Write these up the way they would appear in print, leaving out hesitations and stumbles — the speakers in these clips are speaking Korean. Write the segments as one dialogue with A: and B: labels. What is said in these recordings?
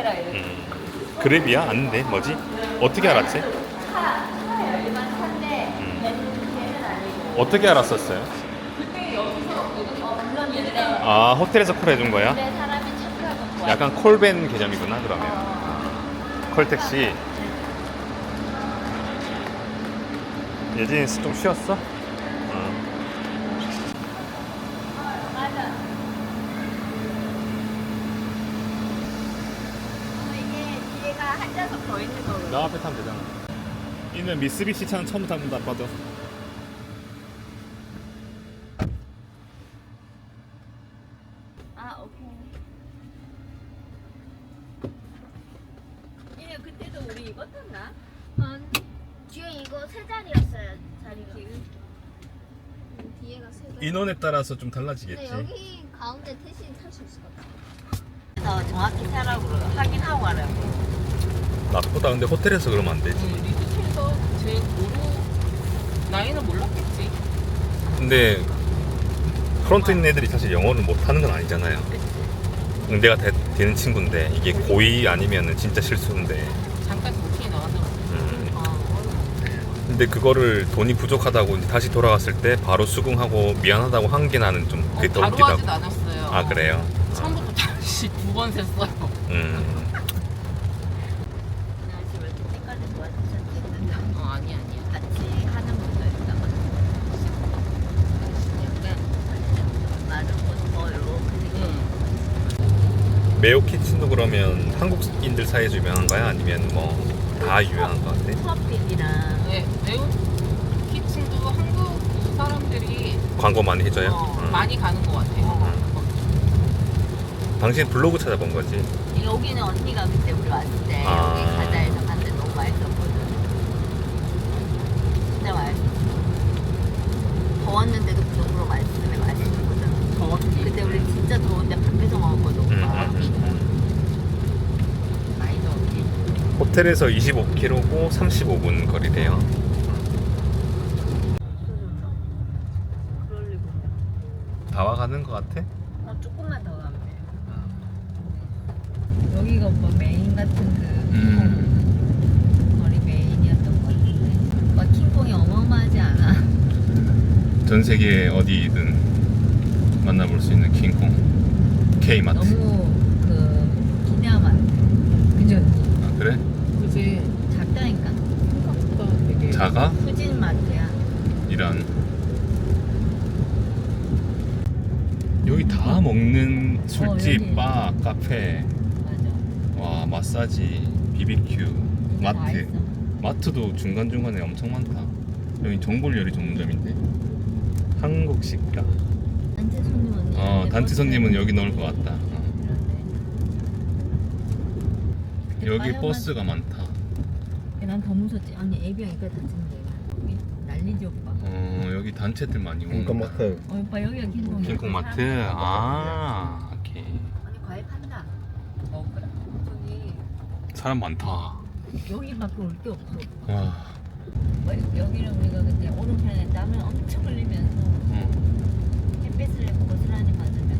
A: 알아.
B: 그랩이야? 아닌데 뭐지? 어떻게 알았지?
A: 일반 차인데 걔는 아니고.
B: 어떻게 알았었어요?
A: 불렀는데
B: 아 호텔에서 콜 해준 거야?
A: 근데 사람이 착하고 좋아.
B: 약간 콜밴 개념이구나 그러면. 콜택시. 예진이 좀 쉬었어?
A: 맞아. 이게 뒤에가 한 좌석 더 있는 거거든.
B: 나 앞에 타면 되잖아. 이는 미쓰비시 차는 처음 타본다 아빠도.
A: 아 오케이. 얘 그때도 우리 이거 탔나?
C: 뒤에 이거 세 자리였어요. 자리가. 뒤에가 세 자리.
B: 인원에 따라서 좀
C: 근데
B: 달라지겠지.
C: 여기 가운데 대신 탈 수 있을 것 같아.
A: 그래서 정확히 타라고 확인하고 가라고.
B: 나보다 근데 호텔에서 그러면 안 되지.
D: 리드실에서 제 고로 나이는 몰랐겠지.
B: 근데 프론트 있는 애들이 사실 영어를 못하는 건 아니잖아요. 응대가 되는 친구인데 이게 고의 아니면 진짜 실수인데.
D: 잠깐 도킹이 나왔나 봐.
B: 근데 그거를 돈이 부족하다고 이제 다시 돌아갔을 때 바로 수긍하고 미안하다고 한 게 나는 좀 그게 더
D: 바로
B: 웃기다고.
D: 하진 않았어요.
B: 아 그래요?
D: 처음부터 다시 두 번 셌어요.
A: 그냥 집에 때까지 도와주셨는데
D: 아니야.
A: 같이 하는 분도 있다가 약간 나는 뭐 이렇게
B: 메오 키친도 그러면 한국인들 사이에 유명한가요? 아니면 뭐 다 유명한 것 같아?
A: 수업비랑
D: 네, 매우 키친도 한국 사람들이
B: 광고 많이 해줘요?
D: 많이 가는 것 같아요.
B: 당신 블로그 찾아본 거지?
A: 여기는 언니가 그때 우리 왔을 때
B: 아.
A: 여기 가자 해서 갔는데 너무 맛있었거든. 진짜 맛있었어. 더웠는데도 그 정도로 맛있으면 맛있거든.
D: 더웠지.
A: 그때 우리 진짜 더운데 밖에서 먹었거든. 오빠. 많이 더웠지.
B: 호텔에서 25km고 35분 거리래요.
A: 그럴 리가 없네.
B: 다 와가는 것 같아?
A: 조금만 더 가면 돼. 여기가 오빠 메인 같은 그 거리 메인이었던 것 같은데. 막 킹콩이 어마어마하지 않아?
B: 전 세계 어디든 만나볼 수 있는 킹콩 K마트.
A: 너무 그 기대하면 안 돼. 그죠?
B: 아 그래?
D: 그지.
A: 작다니까.
D: 생각보다 되게.
B: 작아?
A: 후진 마트야.
B: 이런. 여기 다 먹는 술집,
A: 여기.
B: 바, 카페,
A: 맞아.
B: 와 마사지, BBQ,
A: 이게 다
B: 마트.
A: 있어.
B: 마트도 중간중간에 엄청 많다. 여기 정골 요리 전문점인데 한국 식당.
A: 단체 손님은
B: 단체 손님은 여기 넣을 것 같다. 여기 버스가 많다.
A: 난 더 무섭지. 아니 애비랑 이거 다친데. 난리지 오빠.
B: 여기 단체들 많이 온다.
E: 킹콩마트.
A: 오빠 여기가 킹콩.
B: 킹콩마트. 아, 오케이.
A: 언니 과일 판다. 먹으라. 저기
B: 사람 많다.
A: 여기밖에 올 게 없어.
B: 와.
A: 여기는 우리가 그때 오른편에 땀을 엄청 흘리면서 햇빛을 고스란히 맞으면서.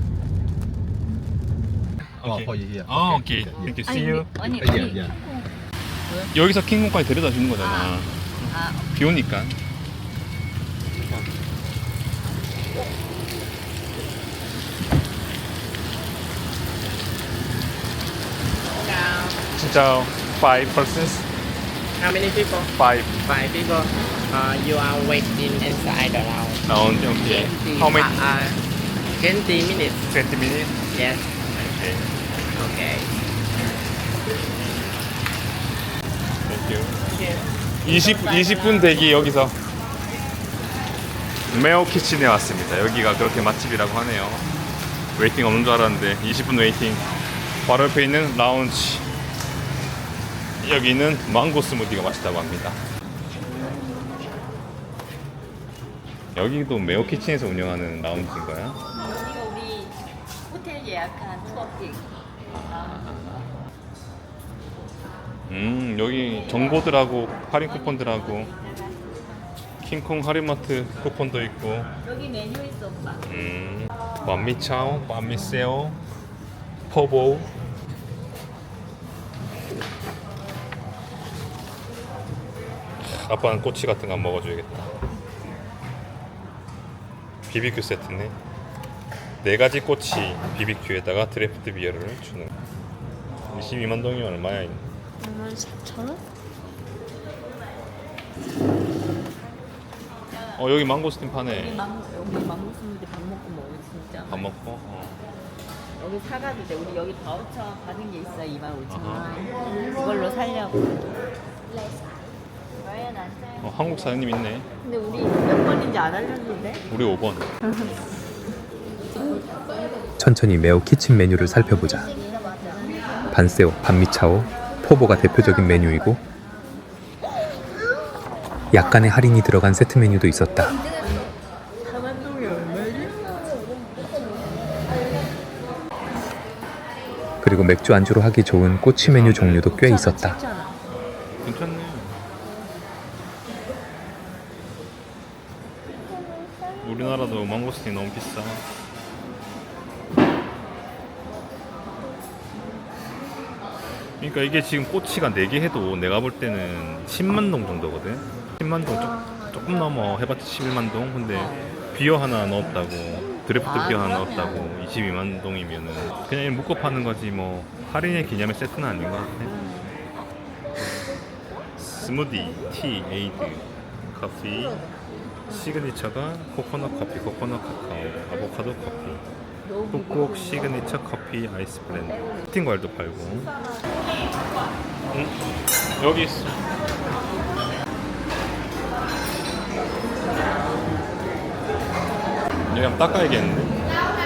E: 얘기야.
B: 오케이. Thank you. See you.
A: 아니
E: 야,
A: 아니
E: 야.
B: 여기서 킹콩까지 데려다 주는 거잖아. 비 오니까. 진짜 5 persons?
F: How many people?
B: 5
F: Five people. You are waiting inside the lounge.
B: 라운드. 오케이. How many?
F: 20 minutes.
B: 20 minutes?
F: Yes.
B: 오케이.
F: Okay.
B: Thank you. 20분 대기 여기서 메오 키친에 왔습니다. 여기가 그렇게 맛집이라고 하네요. 웨이팅 없는 줄 알았는데 20분 웨이팅. 바로 옆에 있는 라운지. 여기는 망고 스무디가 맛있다고 합니다. 여기도 메오 키친에서 운영하는 라운지인가요?
A: 여기가 우리 호텔 예약한 투어픽.
B: 여기 정보들하고 할인 쿠폰들하고 킹콩 할인마트 쿠폰도 있고.
A: 여기 메뉴 있어 오빠.
B: 밤미차오, 밤미세오, 포보. 아빠는 꼬치 같은 거 안 먹어줘야겠다. BBQ 세트네. 4가지 꼬치 BBQ에다가 드래프트 비어를 주는. 22만 동이면 얼마야?
C: 14,000원?
B: 여기 망고스틴 파네.
A: 여기 망고스인데 밥 먹고 먹으면 진짜.
B: 밥 먹고.
A: 여기 사가도 돼. 우리 여기 바우처 받은 게 있어. 25,000원. 그걸로 살려고.
B: 한국 사장님 있네.
A: 근데 우리 몇 번인지 안 알려줬는데?
B: 우리 5번.
E: 천천히 매우 키친 메뉴를 살펴보자. 반새우, 반미차오, 포보가 대표적인 메뉴이고 약간의 할인이 들어간 세트 메뉴도 있었다. 그리고 맥주 안주로 하기 좋은 꼬치 메뉴 종류도 꽤 있었다.
B: 괜찮네. 우리나라도 망고스틴 너무 비싸. 그러니까 이게 지금 꼬치가 4개 해도 내가 볼 때는 10만 동 정도거든. 10만 동 조금 넘어 해봤자 11만 동. 근데 비어 하나 넣었다고, 드래프트 비어 하나 넣었다고 22만 동이면은 그냥 묶어 파는 거지 뭐 할인의 기념의 세트는 아닌 것 같아. 스무디, 티, 에이드, 커피, 시그니처가 코코넛 커피, 코코넛 카카오, 아보카도 커피, 꾹꾹 시그니처 커피 아이스 블렌드, 스팅 과일도 팔고. 응? 여기 있어. 여기 한번 닦아야겠는데?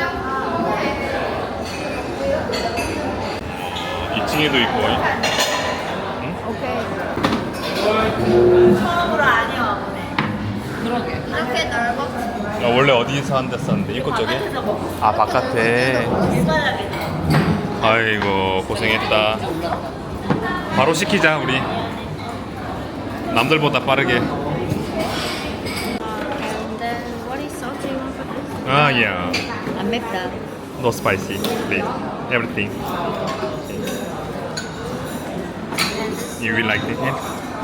B: 2층에도 있고.
A: 처음으로 안에 와보네.
D: 그러게.
C: 이렇게 넓어?
B: 원래 어디서 한 데 썼는데? 입구 쪽에?
A: 바깥에서 먹고
B: 아, 바깥에.
A: 일반하게.
B: 아이고, 고생했다. 바로 시키자, 우리. 남들보다 빠르게.
C: And then what is sauce you want for this?
B: 아, yeah.
A: 안 맵다.
B: No spicy, please. Everything. You will like it? Yeah?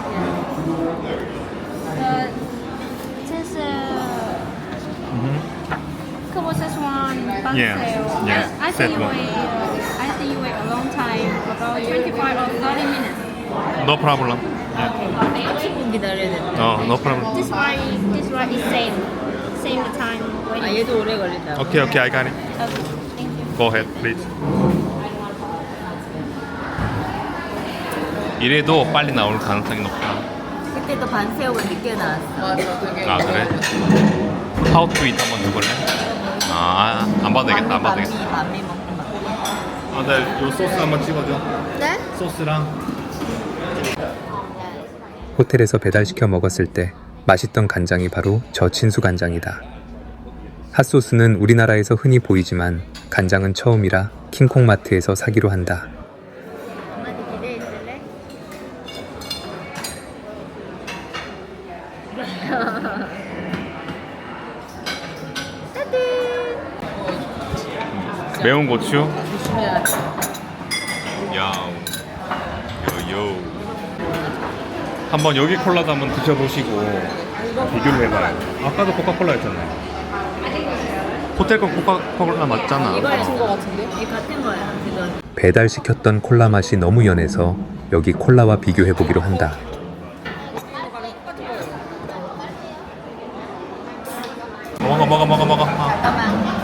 C: This couple this one
B: Yeah, yeah,
C: I
B: set
C: think you
B: one.
C: wait. I think you wait a long time, about 25 or 30 minutes.
B: No problem. Yeah.
A: 10분 기다려야 된다.
B: No problem.
C: This one is same time
A: 아,
C: waiting.
A: 얘도 오래 걸린다.
B: Okay, okay, I got it.
C: Okay, thank you.
B: Go ahead, please. 이래도 빨리 나올 가능성이 높다.
A: 그때도 반새우가 늦게 나왔어.
D: 맞아, 되게.
B: 아, 그래? How to eat 한번 해볼래? 아, 안 봐도 되겠다, 안 봐도 되겠다.
A: 반미 먹는 맛.
B: 아, 나 요 소스 한번 찍어줘.
C: 네?
B: 소스랑.
E: 호텔에서 배달시켜 먹었을 때 맛있던 간장이 바로 저 친수 간장이다. 핫소스는 우리나라에서 흔히 보이지만 간장은 처음이라 킹콩마트에서 사기로 한다.
A: 엄마한테 기대해 있을래?
B: 매운 고추.
A: 조심해야 돼.
B: 야우. 요요. 한번 여기 콜라도 한번 드셔보시고 비교를 해봐요. 아까도 코카콜라였잖아요. 호텔 건 코카콜라 맞잖아.
A: 이거 같은 거 같은데? 이 같은 거야. 그건.
E: 배달시켰던 콜라 맛이 너무 연해서 여기 콜라와 비교해보기로 한다.
B: 먹어.
A: 잠깐만.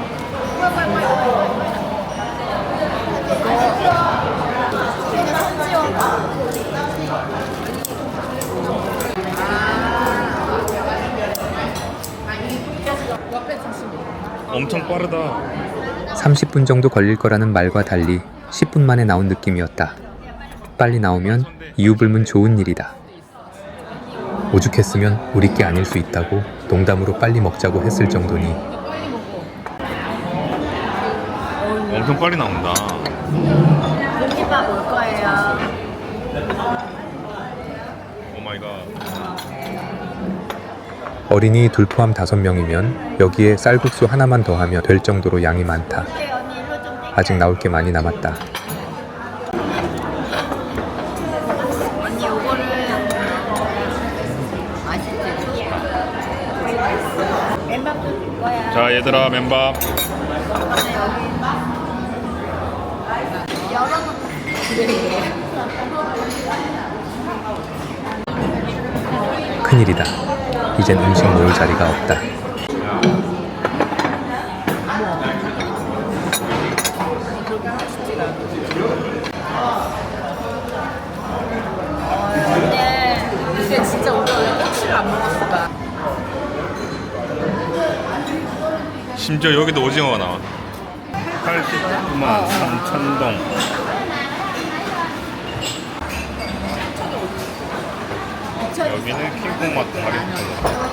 B: 엄청 빠르다.
E: 30분 정도 걸릴 거라는 말과 달리 10분 만에 나온 느낌이었다. 빨리 나오면 이유불문 좋은 일이다. 오죽했으면 우리 게 아닐 수 있다고 농담으로 빨리 먹자고 했을 정도니
B: 엄청 빨리 나온다.
A: 공깃밥 올 거예요.
B: 오 마이 갓.
E: 어린이 둘 포함 5명이면 여기에 쌀국수 하나만 더하면 될 정도로 양이 많다. 아직 나올 게 많이 남았다.
A: 언니 요거를 엠밥도 줄 거야.
B: 자 얘들아 맨밥.
E: 큰일이다. 이젠 음식 놓을 자리가 없다.
A: 근데 진짜 우리 원래 꼬치를 안 먹었어.
B: 심지어 여기도 오징어가 나와. 89만 3천동. 여기는 킹콩마트 할인권.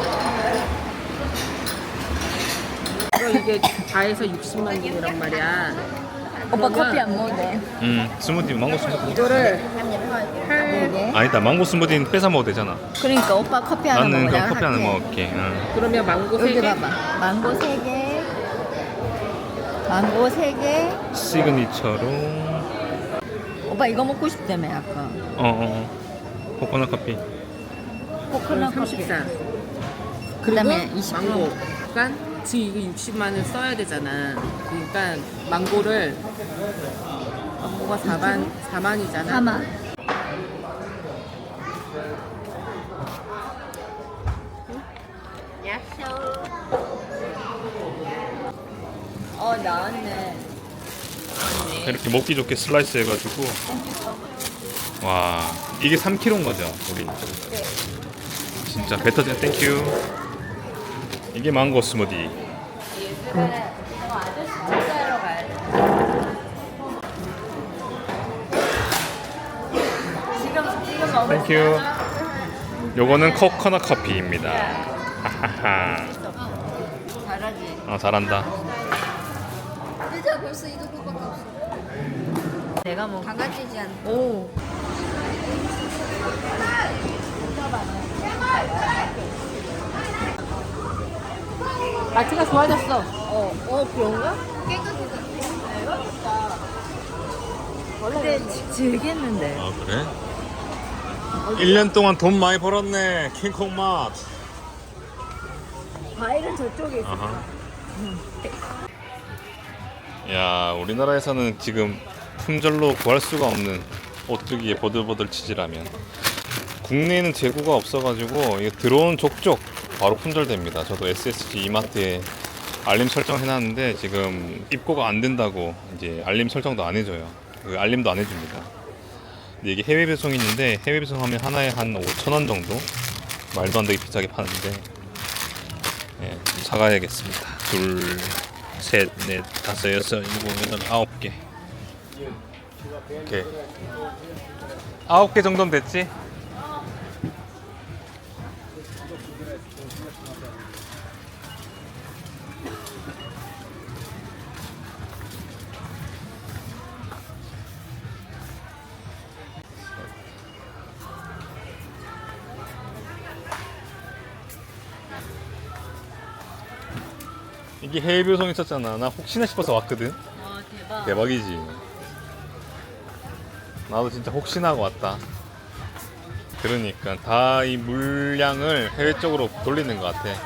D: 이게 다 해서 60만 원이란 말이야.
A: 오빠 커피 안 먹네.
B: 스무디 망고 스무디.
D: 이거를
B: 아니다 망고 스무디는 뺏어 먹어도 되잖아.
A: 그러니까 오빠 커피 하나
B: 나는
A: 먹어.
B: 그럼
A: 내가
B: 커피 하나
A: 할게.
B: 먹을게. 응.
D: 그러면 망고
A: 여기
D: 3개.
A: 봐봐. 망고 3개. 망고 3개.
B: 시그니처로.
A: 오빠 이거 먹고 싶다며 아까.
B: 코코넛 커피.
A: 코코넛 커피.
D: 34.
A: 그다음에
D: 그리고
A: 20.
D: 망고. 그러니까 지금 이거 60만 원 써야 되잖아. 그러니까 망고가 4만이잖아.
A: 4만. 나왔네.
B: 이렇게 먹기 좋게 슬라이스 해가지고. 와 이게 3kg인 거죠 우리. 진짜 배 터지네. 땡큐. 이게 망고 스무디.
A: 아저씨 찾아러 가야 돼. 지금 먹을
B: 땡큐. 요거는 코코넛 커피입니다. 하하하.
A: 잘하지.
B: 잘한다.
G: 진짜 벌써 이거 그거밖에 없어.
A: 내가 먹.
G: 강아지지 않나?
A: 오.
D: 마트가 좋아졌어.
A: 그런가? 근데 즐겼는데.
B: 아 그래? 1년 동안 돈 많이 벌었네 킹콩 맛.
A: 과일은 저쪽에 있어.
B: 아하. 야 우리나라에서는 지금 품절로 구할 수가 없는 오뚜기의 보들보들 치즈라면 국내에는 재고가 없어가지고 이게 들어온 족족 바로 품절됩니다. 저도 SSG 이마트에 알림 설정 해놨는데 지금 입고가 안 된다고 이제 알림 설정도 안 해줘요. 그 알림도 안 해줍니다. 근데 이게 해외 배송이 있는데 해외 배송하면 하나에 한 5,000원 정도? 말도 안 되게 비싸게 파는데 예, 좀 사가야겠습니다. 둘, 셋, 넷, 다섯, 여섯, 일곱, 여덟, 9개. 이렇게 9개 정도면 됐지? 이게 해외 배송 있었잖아. 나 혹시나 싶어서 왔거든.
A: 대박.
B: 대박이지. 나도 진짜 혹시나 하고 왔다. 그러니까 다 이 물량을 해외 쪽으로 돌리는 것 같아.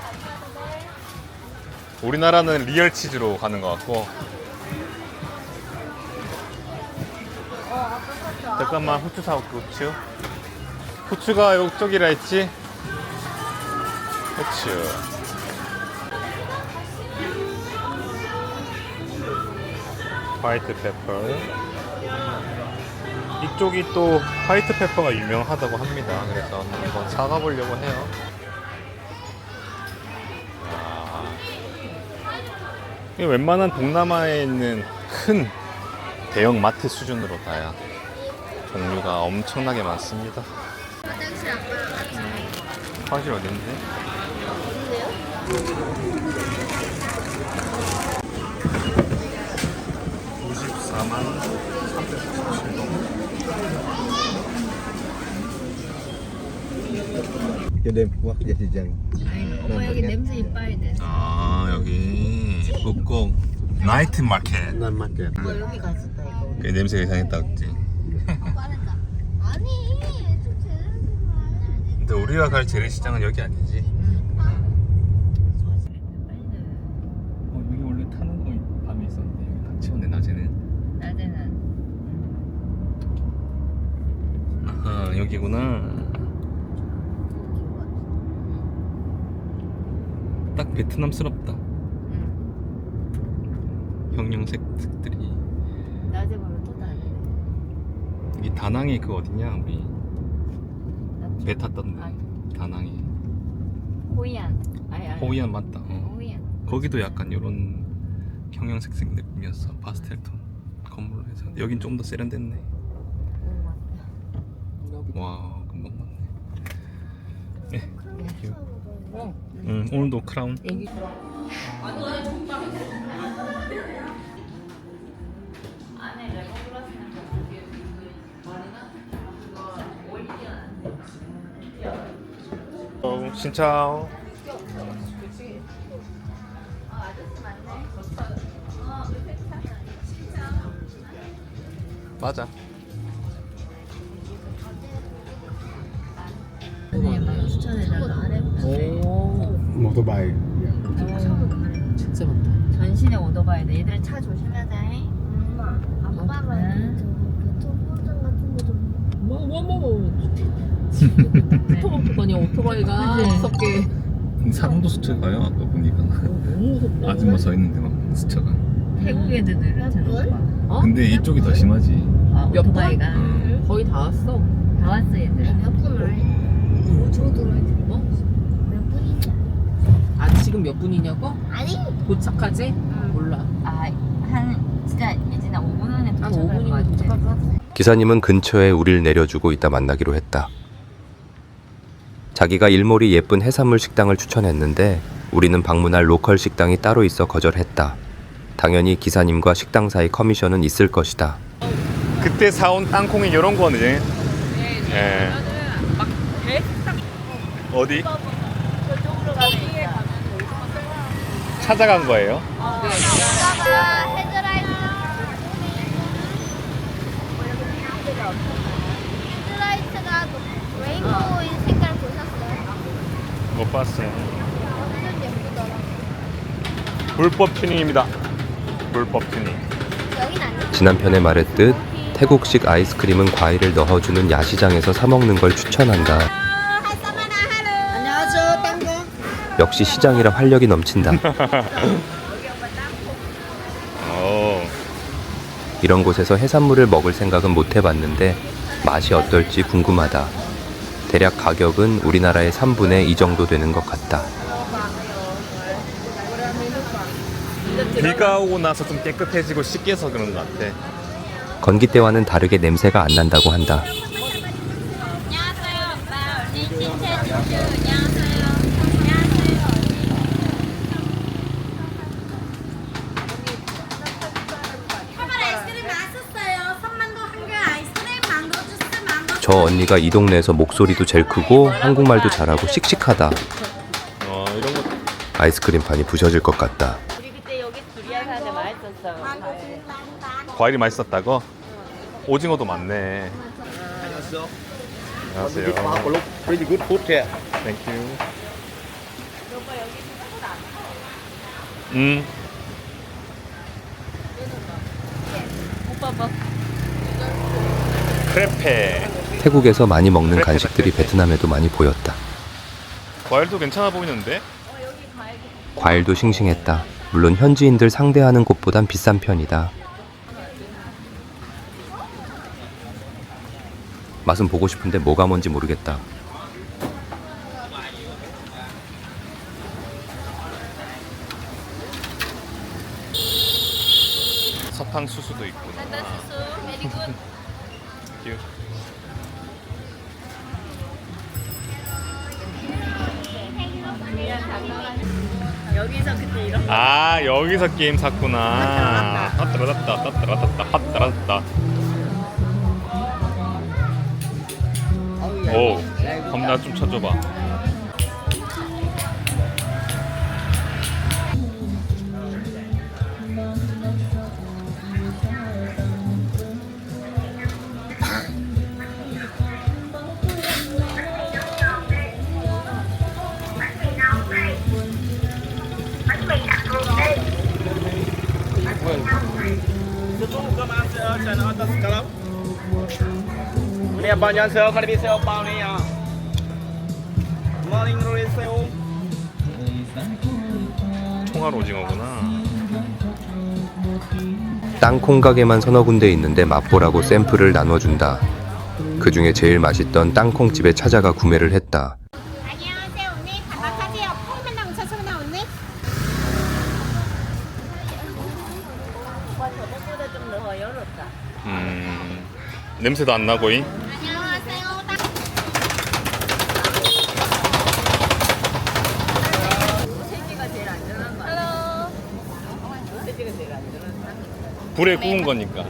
B: 우리나라는 리얼 치즈로 가는 것 같고. 잠깐만 후추 사올게. 후추가 이쪽이라 했지? 후추. 화이트 페퍼. 이쪽이 또 화이트 페퍼가 유명하다고 합니다. 그래서 한번 사가 보려고 해요. 이게 웬만한 동남아에 있는 큰 대형 마트 수준으로 다야 종류가 엄청나게 많습니다. 화장실 어딘데? 94만 397동.
H: Cho đêm qua dạ thì dần.
A: 엄마 여기 냄새 이빨이 돼.
B: 여기 북곡 나이트 마켓.
H: Nam market.
A: 여기 갔었다 이거.
B: 그 냄새가 이상했다 그랬지.
G: 아니, 좀 제대로 좀
B: 근데 우리가 갈 재래시장은 여기 아니지. 딱 베트남스럽다.
A: 응.
B: 형형색색들이.
A: 낮에 보면 또 다르네.
B: 여기 다낭에 그 어디냐 우리
A: 낮에.
B: 배 탔던데.
A: 아,
B: 다낭에.
A: 호이안. 아니.
B: 호이안 맞다.
A: 네, 호이안.
B: 거기도 약간 이런 형형색색 느낌이었어. 파스텔톤 건물로 해서. 여긴 좀 더 세련됐네.
A: 오, 맞다.
B: 와 금방 맞네. 네.
D: 어.
B: 응 오늘도 크라운.
D: 애기.
A: 안에 레몬그라스는
B: 신차오. 맞아.
A: 막 추천해달라고.
D: 오.
H: Motorbike. Ya.
D: 진짜 많다.
A: 전신에 오토바이다. 얘들 차 조심하자.
G: 엄마, 아빠가
A: 응.
G: 교통보장 같은 거 좀.
D: 뭐. 오토바이가 아니야 오토바이가
A: 그치?
D: 무섭게.
B: 사람도 스쳐가요 아까 보니까.
D: 너무 무섭다.
B: 아줌마 서 있는데 막 스쳐가.
A: 태국 애들 느려지는 거.
D: 어?
B: 근데 이쪽이 더 심하지.
A: 아,
D: 몇
A: 오토바이가.
D: 거의 다 왔어.
A: 다 왔어 얘들.
G: 몇 분을 해? 저도
D: 어?
G: 몇 분이냐?
D: 아 지금 몇 분이냐고?
G: 아니,
D: 도착하지? 몰라.
A: 한 진짜 예진아 5분 안에
D: 한
A: 도착할
D: 5분이면
A: 것
D: 도착할
A: 같아.
D: 것 같아.
E: 기사님은 근처에 우릴 내려주고 이따 만나기로 했다. 자기가 일몰이 예쁜 해산물 식당을 추천했는데 우리는 방문할 로컬 식당이 따로 있어 거절했다. 당연히 기사님과 식당 사이 커미션은 있을 것이다.
B: 그때 사온 땅콩이 이런 거네. 예. 어디?
A: 저쪽으로 가면 있다.
B: 찾아간 거예요?
G: 아빠가 헤드라이트. 헤드라이트가 레인보우인 색깔 보셨어요?
B: 못 봤어요.
G: 완전 예쁘더라.
B: 불법 튜닝입니다. 불법 튜닝.
G: 여긴 아니야.
E: 지난 편에 말했듯 태국식 아이스크림은 과일을 넣어주는 야시장에서 사 먹는 걸 추천한다.
G: 안녕하세요, 땅콩.
E: 역시 시장이라 활력이 넘친다. 이런 곳에서 해산물을 먹을 생각은 못 해봤는데 맛이 어떨지 궁금하다. 대략 가격은 우리나라의 3분의 2 정도 되는 것 같다.
B: 비가 오고 나서 좀 깨끗해지고 씻겨서 그런 것 같아.
E: 건기 때와는 다르게 냄새가 안 난다고 한다. 저 언니가 이 동네에서 목소리도 제일 크고 한국말도 잘하고 씩씩하다.
B: 이런 거.
E: 아이스크림판이 부셔질 것 같다.
A: 우리 그때 여기 두리안 사는데 맛있었어.
B: 과일이 맛있었다고? 오징어도 많네. 안녕하세요.
H: Pretty good food here.
B: 땡큐.
A: 오빠 봐.
B: 크레페.
E: 태국에서 많이 먹는 간식들이 베트남에도 많이 보였다.
B: 과일도 괜찮아 보이는데?
E: 과일도 싱싱했다. 물론 현지인들 상대하는 곳보단 비싼 편이다. 맛은 보고 싶은데 뭐가 뭔지 모르겠다.
B: 사탕수수도 있구나. 땡큐.
A: 여기서 그때 이런
B: 아 여기서 게임 샀구나. 핫따라따. 오, 그럼 나 좀 쳐줘봐.
F: Nè bao nhiêu sale, phải đi sale bao nhiêu? Morning rồi sale.
B: 통알 오징어구나.
E: 땅콩 가게만 서너 군데 있는데 맛보라고 샘플을 나눠준다. 그 중에 제일 맛있던 땅콩집에 찾아가 구매를 했다.
C: 안녕하세요 언니. 반갑하세요. 콩만 뭉쳐서나 언니.
A: 저번보다 좀 더 열었다.
B: 냄새도 안 나고잉.
C: 안녕하세요.
A: 소세지가 제일 안전한 거 같아. 소세지가 제일 안전한 거 같아.
B: 불에 구운 거니까.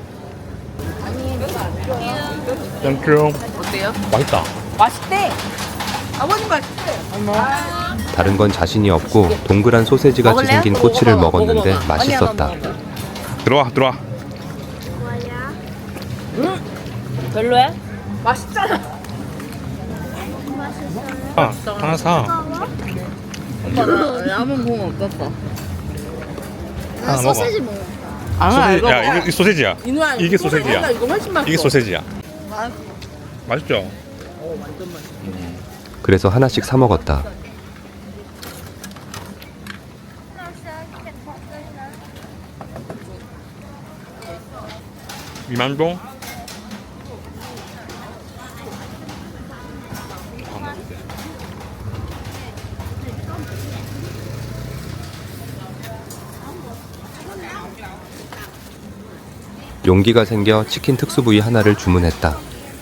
B: 땡큐.
D: 어때요?
B: 맛있다.
D: 맛있대. 아버님 맛있대.
E: 다른 건 자신이 없고 동그란 소세지 같이 생긴 꼬치를 먹었는데 맛있었다.
B: 들어와 들어와.
A: 별로야?
D: 맛있잖아.
B: 하나 사.
A: 오빠 나 라면 공 없었어.
B: 하나 먹어.
G: 소세지 먹어.
B: 소세지. 야 이게 소세지야.
D: 이누야
B: 이게 소세지야.
D: 이거 훨씬 맛있어.
B: 이게 소세지야. 맛있죠?
E: 그래서 하나씩 사 먹었다.
B: 미만동?
E: 용기가 생겨 치킨 특수 부위 하나를 주문했다.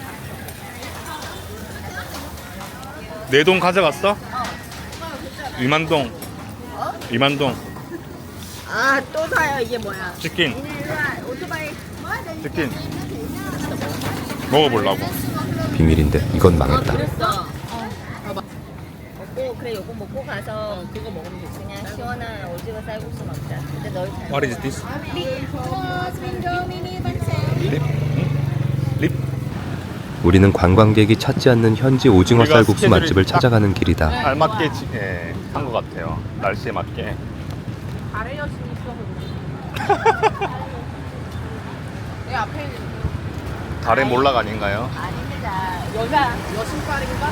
B: 내 돈 가져갔어? 위만동. 위만동.
A: 아 또 사요. 이게 뭐야?
B: 치킨.
A: 오토바이.
B: 치킨. 먹어보려고.
E: 비밀인데 이건 망했다.
A: 그랬어. 먹고 그래 요거 먹고 가서 그거 먹으면 되지. 그냥 시원한 오징어 쌀국수 먹자. 근데 널 잘.
B: What is this? 립? 립?
E: 우리는 관광객이 찾지 않는 현지 오징어
B: 우리가
E: 쌀국수
B: 스케줄이
E: 맛집을
B: 딱-
E: 찾아가는 길이다.
B: 알맞게 한 것 같아요. 날씨에 맞게.
D: 달의 여신이 있어서 그래. 내 앞에 있는
B: 달의 몰락 아닌가요?
A: 아닙니다. 여자.
D: 여신빨인가?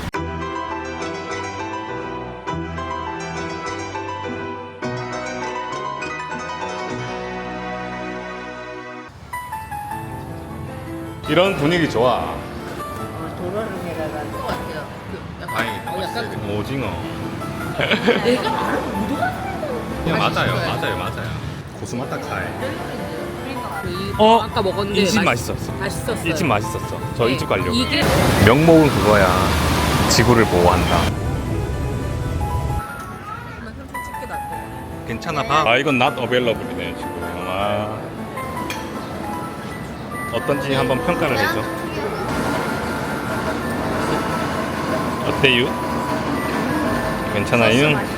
B: 이런 분위기 좋아.
A: 도로를 내려가는 것 같아요.
B: 다행이다.
D: 약간
B: 오징어.
D: 내가 말을 못
B: 야, 맞아요. 고수마타카이.
D: 어? 아까 먹었는데
B: 이 집 맛있었어.
D: 맛있었어요.
B: 이 집 맛있었어. 저 이 집 가려고.
D: 이게
B: 명목은 그거야. 지구를 보호한다.
D: 솔직히 낫대.
B: 괜찮아 봐. 아 이건 not available이네 지금. 아. 어떤지 한번 평가를 해줘. 어때요? 괜찮아요?